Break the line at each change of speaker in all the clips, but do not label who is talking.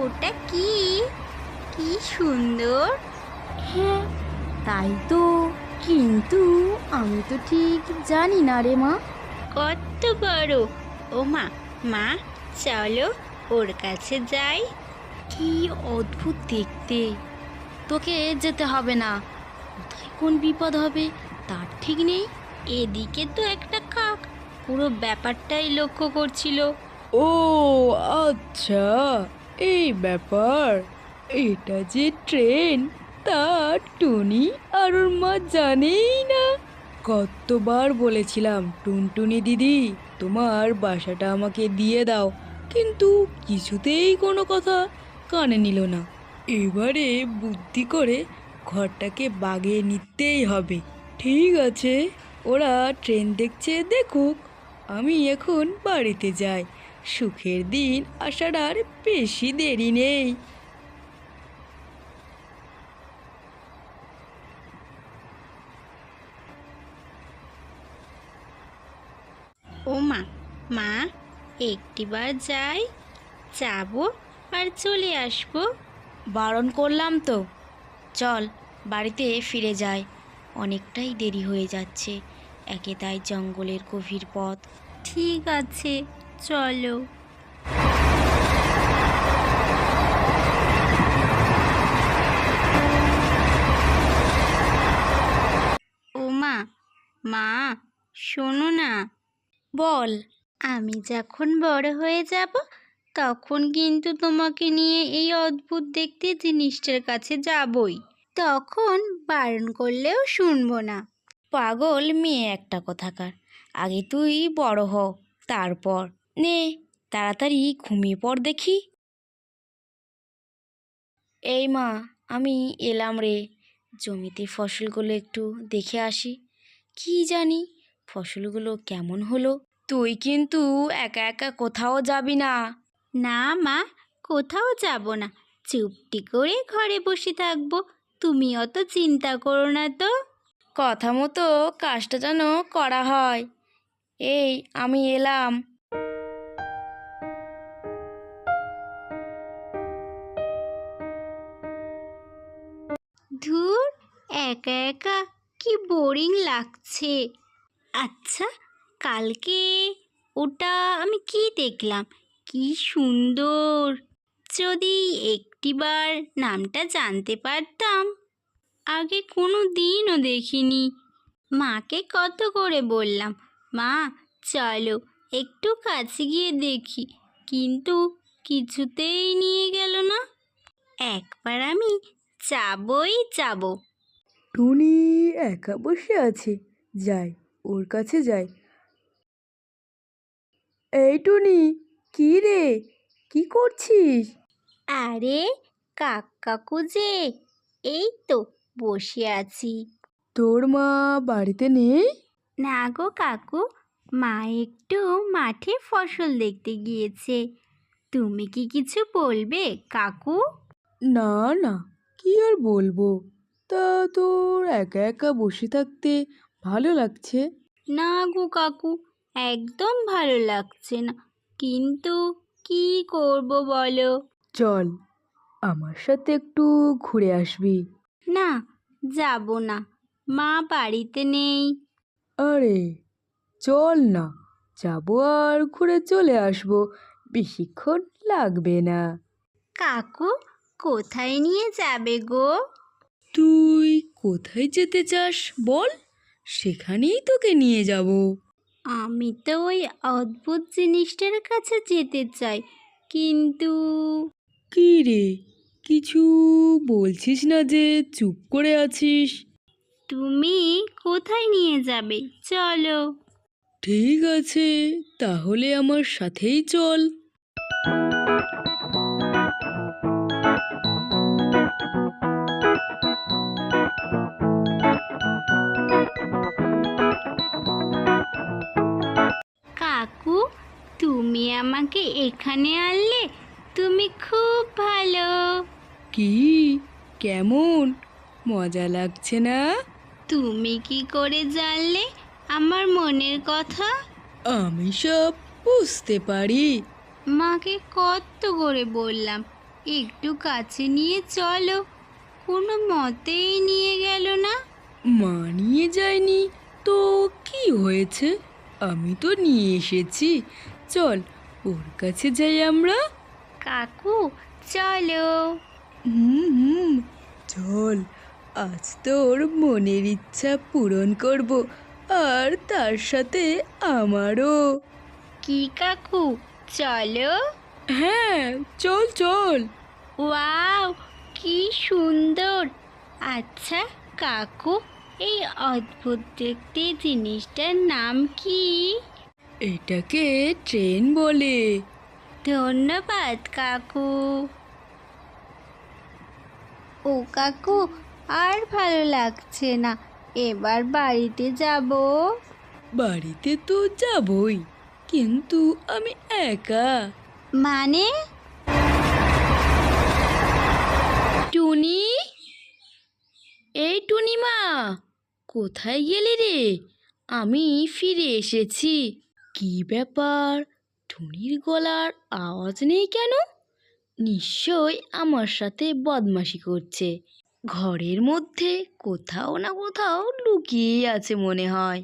ওটা কি? কি সুন্দর!
হ্যাঁ, তাই তো, কিন্তু আমি তো ঠিক জানি না রে মা।
কত বড়! ও মা, মা, চলো ওর কাছে যাই।
কি অদ্ভুত দেখতে! তোকে যেতে হবে না, কোথায় কোন বিপদ হবে তার ঠিক নেই।
এদিকে তো একটা কাক পুরো ব্যাপারটাই লক্ষ্য করছিল।
ও আচ্ছা, এই ব্যাপার। এটা যে ট্রেন, তা টুনি আর ওর মা জানেই না। কতবার বলেছিলাম টুনটুনি দিদি, তোমার বাসাটা আমাকে দিয়ে দাও, কিন্তু কিছুতেই কোনো কথা কানে নিল না। এবারে বুদ্ধি করে ঘরটাকে বাগিয়ে নিতেই হবে। ঠিক আছে, ওরা ট্রেন দেখছে দেখুক, আমি এখন বাড়িতে যাই। সুখের দিন আসার আর বেশি দেরি নেই।
ও মা, মা, একটিবার যাই, যাবো আর চলে আসবো।
বারণ করলাম তো, চল বাড়িতে ফিরে যাই। অনেকটাই দেরি হয়ে যাচ্ছে, একে তাই জঙ্গলের গভীর পথ।
ঠিক আছে, চলো। ও মা, মা, শোনো না।
বল।
আমি যখন বড় হয়ে যাব, তখন কিন্তু তোমাকে নিয়ে এই অদ্ভুত দেখতে জিনিসটার কাছে যাবই। তখন বারণ করলেও শুনবো না।
পাগল মেয়ে একটা কোথাকার, আগে তুই বড় হ, তারপর নে, তাড়াতাড়ি ঘুমিয়ে পড় দেখি। এই মা, আমি এলাম রে, জমিতে ফসলগুলো একটু দেখে আসি। কি জানি ফসলগুলো কেমন হলো। তুই কিন্তু একা একা কোথাও যাবি না।
না মা, কোথাও যাব না, চুপটি করে ঘরে বসে থাকবো। তুমি অত চিন্তা করো না তো।
কথা মতো কাজটা যেন করা হয়। এই আমি এলাম।
ধুর, একা একা কি বোরিং লাগছে। আচ্ছা, কালকে ওটা আমি কি দেখলাম, কি সুন্দর! যদি একটিবার নামটা জানতে পারতাম। আগে কোনো দিনও দেখিনি। মাকে কত করে বললাম, মা চলো একটু কাছে গিয়ে দেখি, কিন্তু কিছুতেই নিয়ে গেল না। একবার আমি যাবই যাব।
টুনি একা বসে আছে, যাই ওর কাছে যাই। এই টুনি, কি রে, কি করছিস?
আরে কাকু যে, এই তো বসে আছি।
তোর মা বাড়িতে নেই?
না গো কাকু, মা একটু মাঠে ফসল দেখতে গিয়েছে। তুমি কি কিছু বলবে কাকু?
না না, কি আর বলবো। তা তোর একা একা বসে থাকতে ভালো লাগছে?
না গো কাকু, একদম ভালো লাগছে না, কিন্তু কি করব বলো।
চল, আমার সাথে একটু ঘুরে আসবি।
না, যাব না, মা বাড়িতে নেই।
আরে চল না, যাবো আর ঘুরে চলে আসবো, বেশিক্ষণ লাগবে না।
কাকু, কোথায় নিয়ে যাবে গো?
তুই কোথায় যেতে চাস বল, সেখানেই তোকে নিয়ে যাব।
আমি তো ওই অদ্ভুত জিনিসটার কাছে যেতে চাই, কিন্তু
কি রে, কিছু বলছিস না যে, চুপ করে আছিস?
তুমি কোথায় নিয়ে যাবে চলো।
ঠিক আছে, তাহলে আমার সাথেই চল।
কাকু, তুমি আমাকে এখানে আনলে, তুমি খুব ভালো।
কি, কেমন মজা লাগছে না?
তুমি কি করে জানলে আমার মনের কথা?
আমি সব বুঝতে পারি।
মাকে কত করে বললাম, একটু কাছে নিয়ে চলো, কোনো মতেই নিয়ে গেল না।
মানিয়ে যায়নি তো কি হয়েছে? আমি তো নিয়ে এসেছি। চল ওর কাছে যাই আমরা।
কাকু চলো।
হুম হুম, চল। আজ তোর মনের ইচ্ছা পূরণ করব, আর তার সাথে আমারও।
কি কাকু, চলো।
হ্যাঁ, চল চল।
ওয়াও, কি সুন্দর! আচ্ছা কাকু, এই অদ্ভুত দেখতে জিনিসটার নাম কি?
এটাকে ট্রেন বলে।
ধন্যবাদ কাকু। ও কাকু, আর ভালো লাগছে না, এবার বাড়িতে যাব।
বাড়িতে তো যাবই, কিন্তু আমি একা।
মানে?
টুনি, এই টুনিমা, কোথায় গেলি রে? আমি ফিরে এসেছি। কি ব্যাপার, টুনির গলার আওয়াজ নেই কেন? নিশ্চয় আমার সাথে বদমাশি করছে। ঘরের মধ্যে কোথাও না কোথাও লুকিয়েই আছে মনে হয়।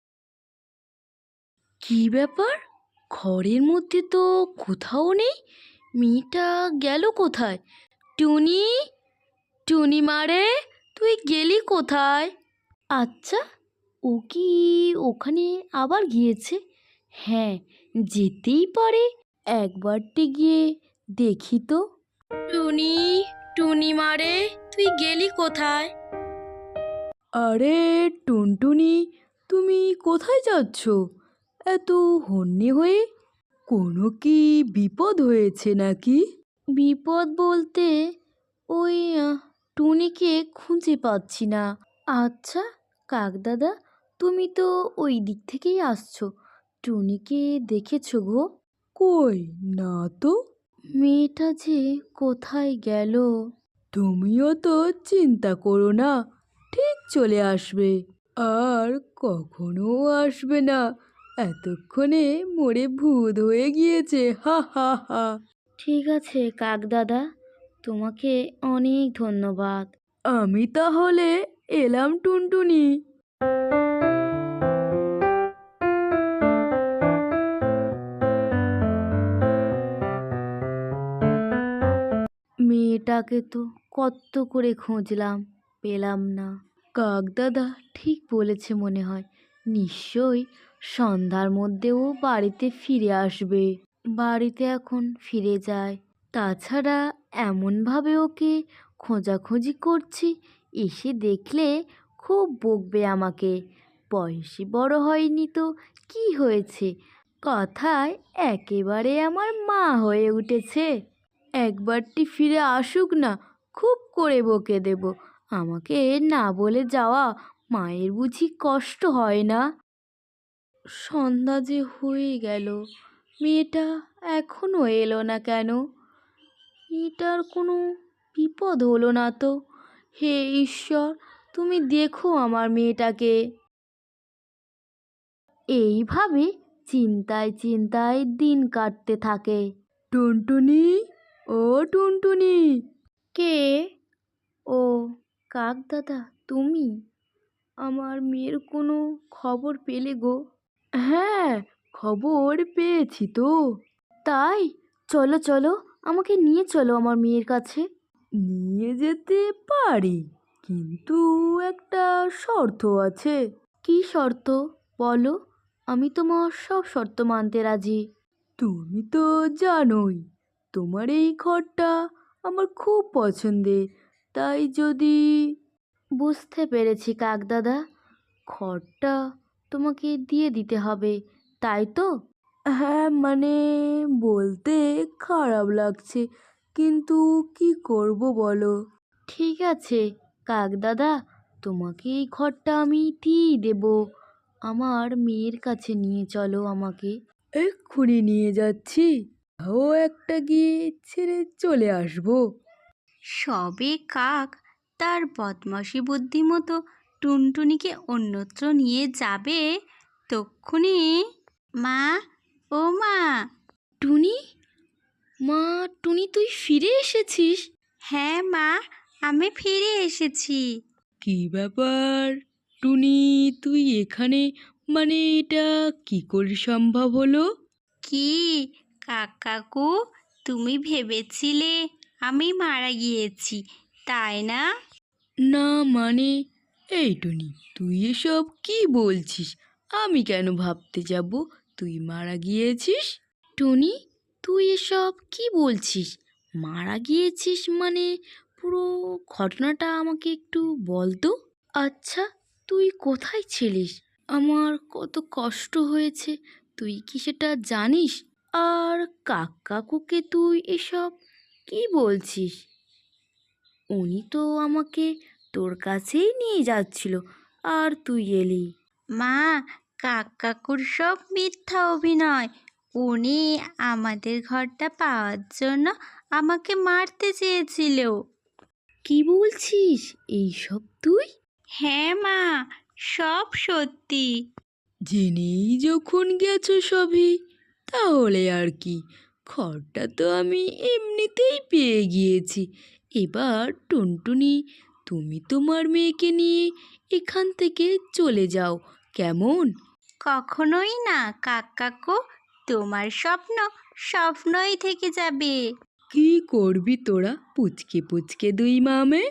কি ব্যাপার, ঘরের মধ্যে তো কোথাও নেই। মেয়েটা গেল কোথায়? টুনি, টুনি মারে, তুই গেলি কোথায়? আচ্ছা, ও কি ওখানে আবার গিয়েছে? হ্যাঁ, যেতেই পারে। একবারটি গিয়ে দেখি তো। টুনি, টুনি মারে, তুই গেলি কোথায়?
আরে টুনটুনি, তুমি কোথায় যাচ্ছ এত হন্যে হয়ে? কোনো কি বিপদ হয়েছে নাকি?
বিপদ বলতে ওই টুনিকে খুঁজে পাচ্ছি না। আচ্ছা কাকদাদা, তুমি তো ওই দিক থেকেই আসছো, টুনিকে দেখেছো গো?
কই না তো।
মেয়েটা যে কোথায় গেল?
তুমিও তো চিন্তা করো না, ঠিক চলে আসবে। আর কখনো আসবে না, এতক্ষণে মরে ভূত হয়ে গিয়েছে। হা হা হা।
ঠিক আছে কাকদাদা, তোমাকে অনেক ধন্যবাদ।
আমি তাহলে এলাম টুনটুনি।
মেয়েটাকে তো কত করে খুঁজলাম, পেলাম না। কাকদাদা ঠিক বলেছে মনে হয়, নিশ্চয়ই সন্ধ্যার মধ্যেও বাড়িতে ফিরে আসবে। বাড়িতে এখন ফিরে যায়। তাছাড়া এমনভাবে ওকে খোঁজাখুঁজি করছি, এসে দেখলে খুব বকবে আমাকে। বয়সী বড় হয়নি তো কি হয়েছে, কথায় একেবারে আমার মা হয়ে উঠেছে। একবারটি ফিরে আসুক না, খুব করে বকে দেব। আমাকে না বলে যাওয়া মায়ের বুঝি কষ্ট হয় না? সন্ধ্যা যে হয়ে গেল, মেয়েটা এখনো এলো না কেন? মেয়েটার কোনো বিপদ হলো না তো? হে ঈশ্বর, তুমি দেখো আমার মেয়েটাকে। এইভাবে চিন্তায় চিন্তায় দিন কাটতে থাকে।
টুনটুনি, ও টুনটুনি।
কে? ও কাকদাদা, তুমি? আমার মেয়ের কোনো খবর পেলে গো?
হ্যাঁ, খবর পেয়েছি তো।
তাই? চলো চলো, আমাকে নিয়ে চলো আমার মেয়ের কাছে।
নিয়ে যেতে পারি, কিন্তু একটা শর্ত আছে।
কি শর্ত? বলো, আমি তোমার সব শর্ত মানতে রাজি।
তুমি তো জানোই তোমার এই ঘরটা আমার খুব পছন্দের। তাই যদি...
বুঝতে পেরেছি কাকদাদা, ঘরটা তোমাকে দিয়ে দিতে হবে, তাই তো?
হ্যাঁ মানে, বলতে খারাপ লাগছে, কিন্তু কি করব বলো।
ঠিক আছে কাকদাদা, তোমাকে এই ঘরটা আমি দিয়েই দেব। আমার মেয়ের কাছে নিয়ে চলো আমাকে।
এক্ষুনি নিয়ে যাচ্ছি, ও একটা গিয়ে ছেড়ে চলে আসবো।
সবে কাক তার বদমাশি বুদ্ধি মতো টুনটুনিকে অন্যত্র নিয়ে যাবে, তক্ষুনি মা, ও মা!
টুনি, মা, টুনি তুই ফিরে এসেছিস?
হ্যাঁ মা, আমি ফিরে এসেছি।
কি ব্যাপার টুনি, তুই এখানে? মানে এটা কি করে সম্ভব হলো?
কি কাকু, তুমি ভেবেছিলে আমি মারা গিয়েছি, তাই না?
না মানে, এই টুনি তুই এসব কি বলছিস? আমি কেন ভাবতে যাব তুই মারা গিয়েছিস?
টুনি, তুই এসব কি বলছিস? মারা গিয়েছিস মানে? পুরো ঘটনাটা আমাকে একটু বল তো। আচ্ছা, তুই কোথায় ছিলিস? আমার কত কষ্ট হয়েছে, তুই কি সেটা জানিস? আর কাকুকে তুই এসব কি বলছিস? উনি তো আমাকে তোর কাছেই নিয়ে যাচ্ছিল, আর তুই এলি।
মা, কাকুর সব মিথ্যা অভিনয়। উনি আমাদের ঘরটা পাওয়ার জন্য আমাকে মারতে চেয়েছিল।
কি বলছিস এইসব তুই?
হ্যাঁ মা, সব সত্যি।
জেনেই যখন গেছো সবই, তাহলে আর কি, খড়টা তো আমি এমনিতেই পেয়ে গিয়েছি। এবার টুনটুনি, তুমি তোমার মেয়েকে নিয়ে এখান থেকে চলে যাও, কেমন?
কখনোই না কাকু, তোমার স্বপ্ন স্বপ্নই থেকে যাবে।
কি করবি তোরা পুচকে পুচকে দুই মামে?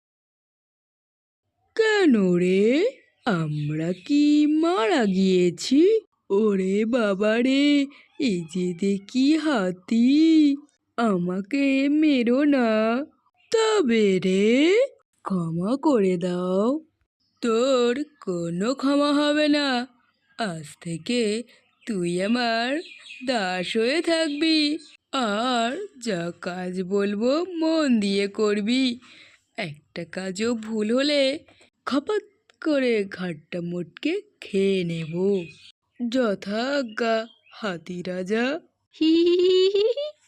কেন রে, আমরা কি মারা গিয়েছি? ওরে বাবা রে, এই যে দেখি হাতি, আমাকে মেরো না, তবে রে ক্ষমা করে দাও। তোর কোনো ক্ষমা হবে না, আজ থেকে তুই আমার দাস হয়ে থাকবি, আর যা কাজ বলবো মন দিয়ে করবি। একটা কাজও ভুল হলে খপাত করে ঘাটটা মোটকে খেয়ে নেব। যথাজ্ঞা, হাতি রাজা।
হি হি হি হি হি।